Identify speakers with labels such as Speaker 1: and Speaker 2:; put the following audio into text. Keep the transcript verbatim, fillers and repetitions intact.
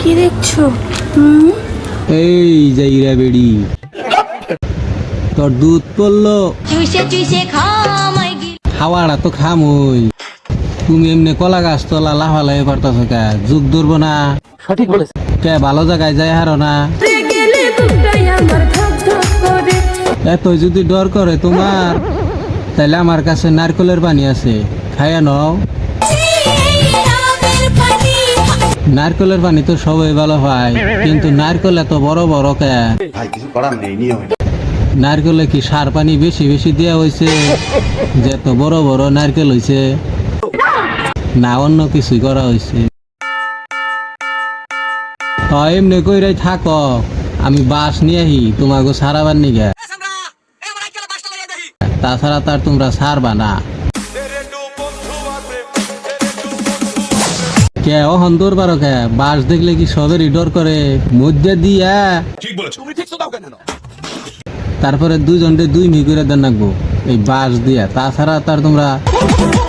Speaker 1: কি দেখছো? হুম,
Speaker 2: এই যাইরা বেড়ি তোর দুধ পড়লো
Speaker 3: চুইসে চুইসে খামাই গিল
Speaker 2: খাওয়াটা তো খামই। তুমি এমনি কলা গাছ তোলা লাফালাই করতেছ কে? যুগ ধরবো না?
Speaker 4: সঠিক বলেছে।
Speaker 2: কে ভালো জায়গায় যাই হারো না?
Speaker 1: গেলে বুকটাই আমার ধক ধক করে।
Speaker 2: এতই যদি ডর করে তোমার, তাহলে আমার কাছে নারকেলের পানি আছে, খাইয়া নাও।
Speaker 3: রামের পানি
Speaker 2: নারকেলের পানি তো সবাই ভালো হয়, কিন্তু নারকেল এত বড় বড় কে?
Speaker 5: ভাই কিছু করার নেই, নিয়ম এটা।
Speaker 2: নারকেলে কি সার পানি বেশি বেশি দেওয়া হয়েছে যে এত বড় বড় নারকেল হয়েছে, না অন্য কিছুই করা হয়েছে? হয় এমনি কইরাই থাকো, আমি বাস নিয়ে আহি তোমাকে সারাবার নিগে, তাছাড়া তার তোমরা সারবা না। কে অহন দৌড় পারো কে? বাস দেখলে কি সবেরই ডর করে? মধ্যে দিয়া তারপরে দুজনকে দুই মি করে দেন রাখবো এই বাস দিয়া, তাছাড়া তার তোমরা